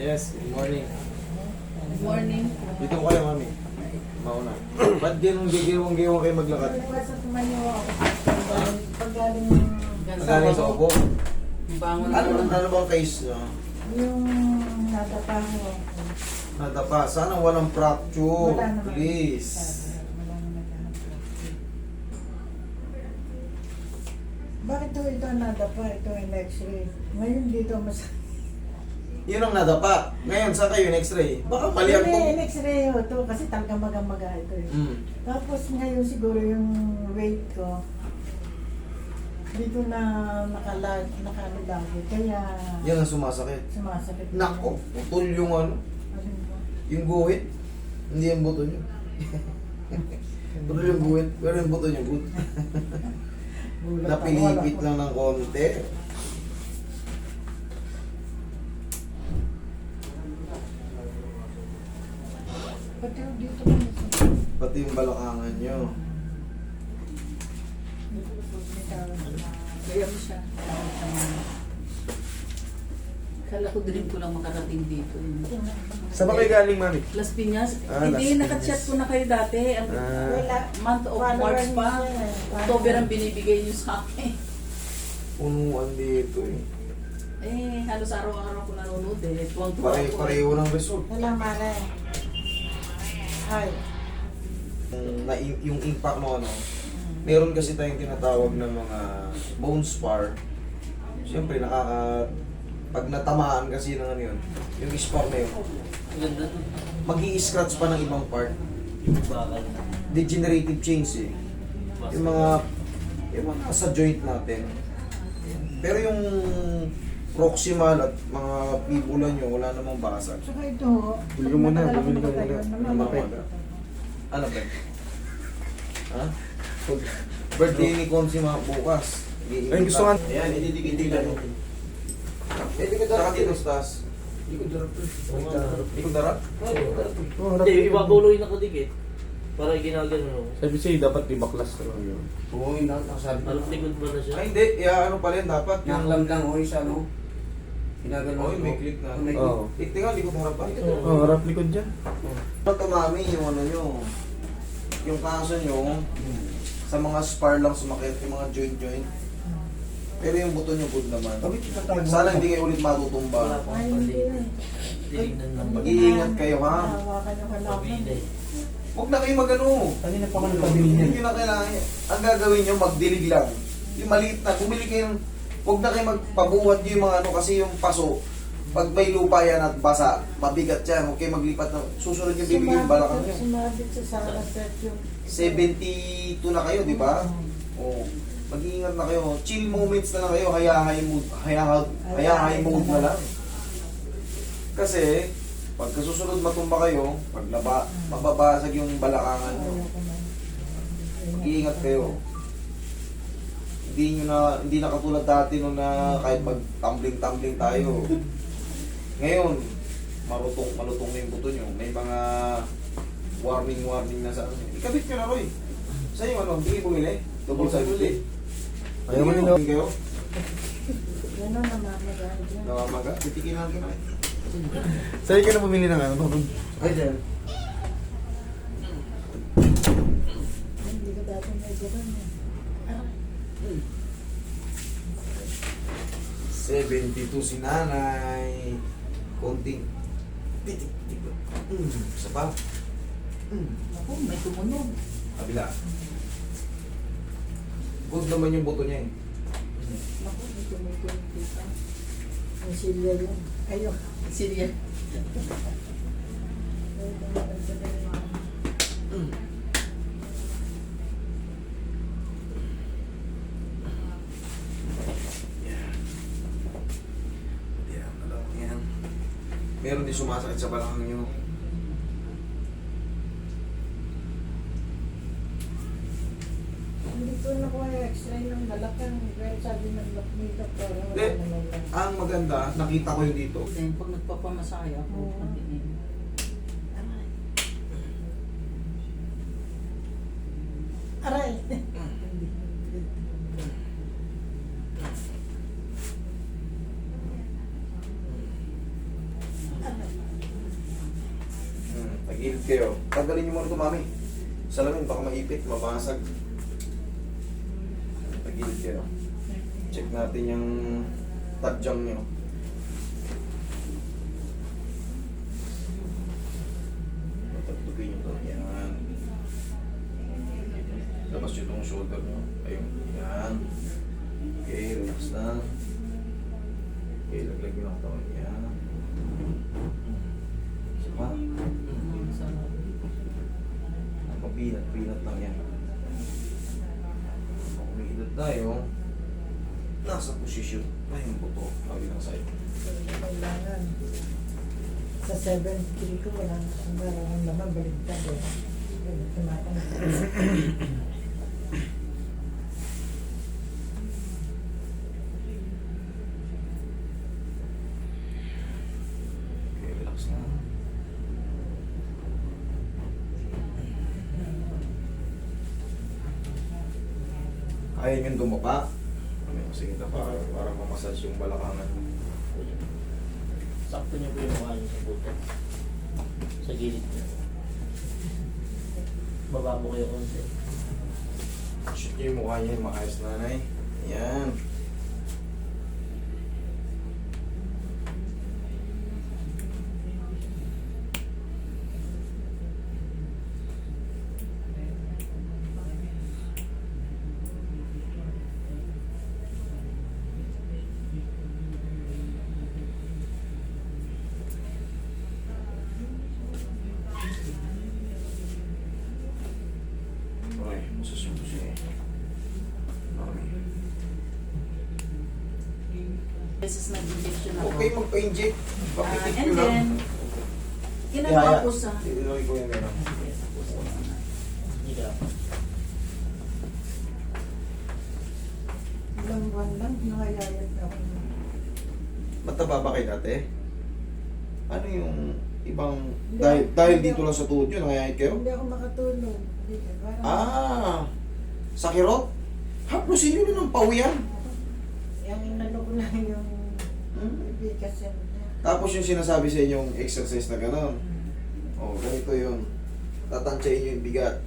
Yes, good morning. Good morning. Dito ko kayo, mami. Mauna. Ba't giwang-giwang kayo maglakad? Nasa tumayo ako. Paggaling Magaling sa upo? bangon Ano bang case nyo? yung nadapa ko. Nadapa. Sana walang fracture. Wala naman. Please. Wala naman lahat. Bakit ito nadapa? Ito yung x-ray. Ngayon dito mas... Yun ang nadapa. Ngayon, saan kayo yung x-ray? Baka mali ang Hindi, x-ray ho to kasi talagang maga-maga ito eh. Tapos ngayon siguro yung weight ko dito na nakano lagi. Kaya Yan ang sumasakit. sumasakit. Nako, putol yung ano, Alin ba? yung guhit. Hindi yung buto nyo. Putol yung guhit, pero yung buto nyo good. Gulat ako, Napilipit wala lang ng konti. Pati yung dito ko nasa. Pati yung balakangan nyo. Kaya mo siya. Kala ko dream ko lang makarating dito. Saan ba kayo galing, mami? Las Piñas. Ah, Las Hindi, Piñas. nakachat ko na kayo dati. Ang Wala. month of March pa. October ang binibigay niyo sa akin. Punuan dito eh. Eh, halos araw-araw ko nanonood eh. Tuwang-tuwa ako. Pareho ng result. Wala mare. Ay. Yung impact mo ano, meron kasi tayong tinatawag na mga bone spar. Siyempre pag natamaan kasi ng ano yun, yung spar na yun, mag-i-scratch pa ng ibang part. Degenerative change eh. Yung mga sa joint natin. Pero yung proximal at mga fibula nyo, wala namang basag. Saka ito. Bili ka muna, bumili ka muna. Namamaga. Ano ba? Ha? Birthday ni Consi mga bukas. Ay, gusto nga. Ayan, ididikit-dikit mo. Hindi ko darap dito, Stas. Hindi ko darap. Hindi ko darap? Oh, harap. Hindi, ibabaw yung nakadikit. Para ginagano. Sabi siya, dapat ibaklas na lang yun. Oo, yung nakasabi ko. Parang likod ba na siya? Ay, hindi. Ano pala yun, dapat. Naklam lang o isa, no? Ginagano. Oy, may click na. May Oo. Tingnan, hindi ko harapan. Oh, harap likod dyan. Ito, mami, yung ano nyo. Yung kaso nyo, sa mga spar lang sumakit, yung mga joint-joint. Pero yung buto nyo good naman. Sabi ko tayo. Sana hindi kayo ulit Wala matutumba. pa Ay, akong hindi. Tinignan lang. Mag-iingat kayo, ha? Hawakan yung kalaban. Mabili. Huwag na kayo mag-ano. Kanina pa ako nagpabili niya. Hindi na kailangan. Ang gagawin nyo, magdilig lang. Yung maliit na, bumili kayo ng, huwag na kayo magpabuhat nyo yung mga ano, kasi yung paso, pag may lupa yan at basa, mabigat yan, huwag kayo maglipat na, susunod yung bibigyan yung balakang nyo. Sumabit sa Sara Set yung... 72 na kayo, di ba? Oo. Mag-iingat na kayo. Chill moments na lang kayo, high mood na lang. Kasi, pagka susunod matumba kayo, mababasag yung balakangan nyo. Mag-iingat kayo. Hindi na katulad dati nung na kahit mag-tumbling tayo. Ngayon, malutong na yung buto nyo. May mga warning na sa ano. Ikabit nyo na, Roy. Sa yung ano, hindi bumili. Double sided. Ayaw mo nila. Kayo? Gano'n namamaga. Nawamaga? Titikin natin na. Sa'yo ka na bumili ng ano? Ay, dyan. Hindi ko dati may gano'n. 72 si nanay. Konting. Titik. Isa pa. Ako, may tumunog. Kabila. Good naman yung buto niya eh. Ako, ito may kumipita. Ang silya yun. Ayun. Silya. Yan. Meron din sumasakit sa balakang nyo. Hindi ko nakuha yung x-ray ng balakang. Pero sabi ng makeup ko, wala Hindi. naman lang. Ang maganda, nakita ko yung dito. Then, pag nagpapamasaya ako, Oo. pagdinig. Aray! Aray! Tagilid kayo. Tanggalin niyo muna ito, mami. Salamin, baka maipit, mabasag. Tagilid kayo. Check natin yung tadyang niyo. Tatugin niyo ito. Yan. Labas niyo itong shoulder niyo. Ayun. Yan. Okay, relax na. Okay, laglag niyo lang ito. Yan. Sama. Pinat lang yan. Kung umiidot tayo, nasa posisyon na yung buto. Lagi lang sa'yo. Kailangan. Sa 7-3 ko, walang naman baligtad eh. Tumatang. Okay, relax na. Ayaw yung dumapa. Sige na para mamasage yung balakangan. Sakto niyo po yung mukha niyo sa buto. Sa gilid niyo. Baba mo kayo konti. Shoot niyo yung mukha niya, maayos nanay. Yan. Okay, masusunod siya eh. Mami. Beses nag-injection ako. Okay, magpa-inject. Pakitik And ko lang. then, ginagawa ko sa... Iloy ko yung meron. Hindi ka. Ilang buwan lang, nakayayat ako. Mataba ba kayo dati? Ano yung ibang... Dahil dito lang sa tuhod nyo, nangayayit kayo? Hindi ako makatulog. Hindi, parang... Ah! Sa kirot? Haplusin nyo na ng pawiyan. Yung inano ko lang yung ibigas yan. Tapos yung sinasabi sa inyong exercise na gano'n. Oh, ganito yun. Tatansyain nyo yung bigat.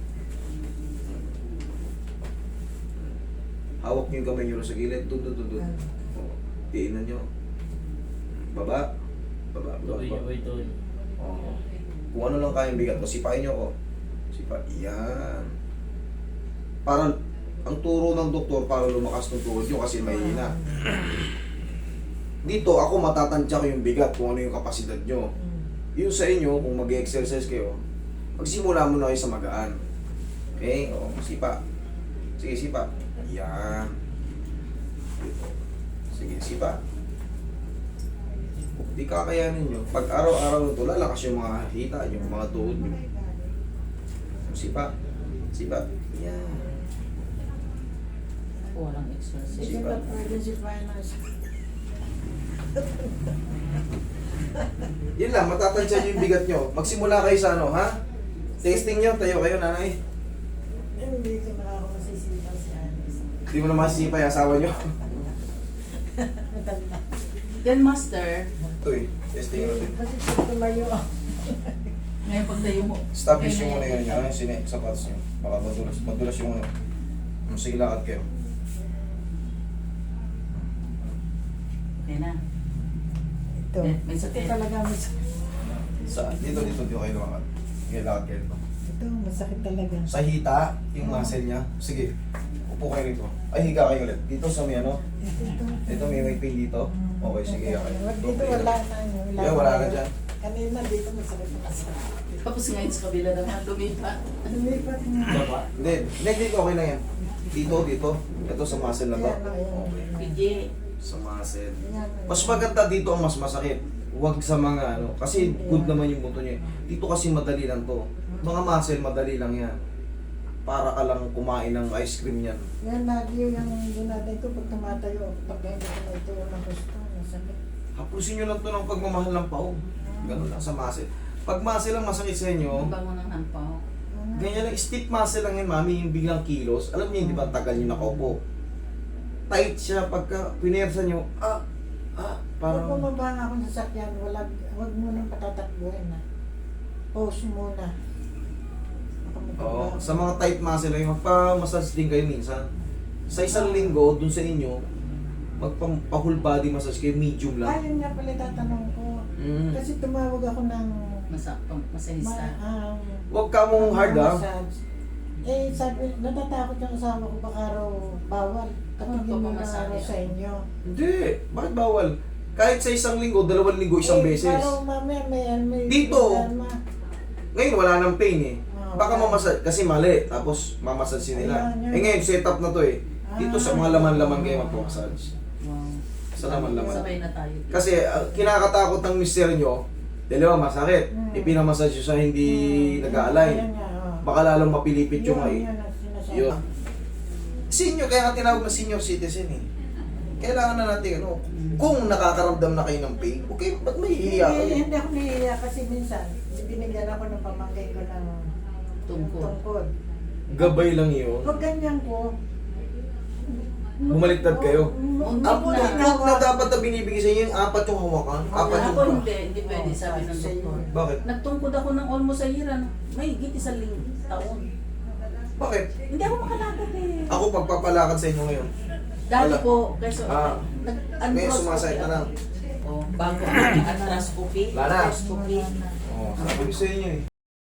Hawak nyo yung kamay nyo sa gilid. Dun. Oh, tiinan nyo. Baba. Baba. Tuloy niyo po ito. Oh. Kung ano lang kayang bigat mo, sipain nyo ko. Sipa. Yan. Parang, ang turo ng doktor para lumakas ng tuhod nyo kasi mahina. Dito, ako matatansya ko yung bigat kung ano yung kapasidad nyo. Yun sa inyo, kung mag-exercise kayo, magsimula muna kayo sa magaan. Okay? O, sipa. Sige, sipa. Yan. Sige, sipa. Di kakayanin nyo. Pag araw-araw ito, lalakas yung mga hita, yung mga tuhod nyo. Sipa. Sipa. Yan. Walang exercise. Hindi ba pwede si finance? Yun lang, matatansya nyo yung bigat nyo. Magsimula kayo sa ano, ha? Testing nyo, tayo kayo, nanay. Hindi ko nakakamasisipan si Alice. Hindi mo na masisipa yung asawa nyo. Matanda. Then, master, Ito eh, testing natin. Kasi kung tumayo ako. ngayon pagtayo mo. Establish yung muna yun nyo, yung sapatos nyo. Baka madulas yung ano. Sige, lakad kayo. Okay na. Ito. May sakit. Ito talaga masakit. Saan? Dito kayo lumakad. Sige, lakad kayo dito. Ito, masakit talaga. Sa hita, yung muscle niya. Sige, upo kayo dito. Ay, higa kayo ulit. Dito sa may ano. Dito may pain dito. Okay, sige, okay. Dito wala na yun. Yeah, wala na dyan. Kanina dito masakit na masakit. Tapos ngayon sa kabila naman, lumipat. Lumipat na. Baba. Hindi, dito okay lang yan. Dito. Ito sa muscle na to. Yan, Okay. Pidye. Sa muscle. Yan. Mas maganda dito ang mas masakit. Huwag sa mga ano. Kasi good naman yung buto niya. Dito kasi madali lang to. Mga muscle, madali lang yan. Para ka lang kumain ng ice cream yan. Yan, lagi yung ginatay ko pag tumatayo. Pag hindi ko na ito ng gusto, masakit. Hapusin nyo lang to ng pagmamahal ng pao. Ganun lang sa muscle. Pag muscle lang masakit sa inyo, Ang bango ng hampaw. ganyan lang, stiff muscle lang yan, mami, yung biglang kilos. Alam niyo, di ba, tagal nyo nakaupo. Tight siya, pagka pinersa nyo, Pag parang, bumaba nga ako sa sakyan, wag mo nang patatakbuhin na. pause muna. Oo. Sa mga tight muscle ay magpa-massage din kayo minsan. Sa isang linggo, dun sa inyo, magpa-whole body massage kayo, medium lang. Ayun nga pala tatanong ko. Mm. Kasi tumawag ako ng Masahista. Huwag ka mong hard ah. massage. Eh, sabi, natatakot yung asawa ko baka raw bawal. Katingin mo na Pagpapamasahe araw sa inyo. Hindi. Bakit bawal? Kahit sa isang linggo, 2 linggo, isang beses. Parang mamaya may Dito. problema. Ngayon, wala nang pain eh. Ah, Baka wala. mamasage, kasi mali. Tapos, mamasage nila. Ayan, yan. Eh ngayon, setup na to eh. Dito sa mga laman-laman kayo magpamassage. Wow. Sa laman-laman. Sabay na tayo. Kasi, kinakatakot ng mister nyo, dalawa, masakit. Ipinamassage nyo sa hindi Ayan nag-a-align. nga, oh. Baka lalong mapilipit yung ay. Yun ang sinasabi. Yun. Senior, kaya nga tinawag na senior citizen eh. Kailangan na natin, ano, kung nakakaramdam na kayo ng pain, okay, ba't may hihiya kayo? Hindi ako nahihiya kasi minsan, binigyan ako ng pamangkin ko ng tungkod. Gabay lang yun. Pag ganyan ko, Bumaliktad kayo? Ang Ang na. tungkod na dapat na binibigay sa inyo, yung 4 yung hawakan. 4 yung Ako hindi pwede, sabi ng doktor. Bakit? Nagtungkod ako ng almost a year, may higit 1 taon. Bakit? Hindi ako makalakad eh. Ako pagpapalakad sa inyo ngayon. Dati Wala. po, kasi Ah. Ngayon sumasakit na lang. Oh, bago ang arthroscopy. Wala na. Arthroscopy. Oh, sabi ko sa inyo eh.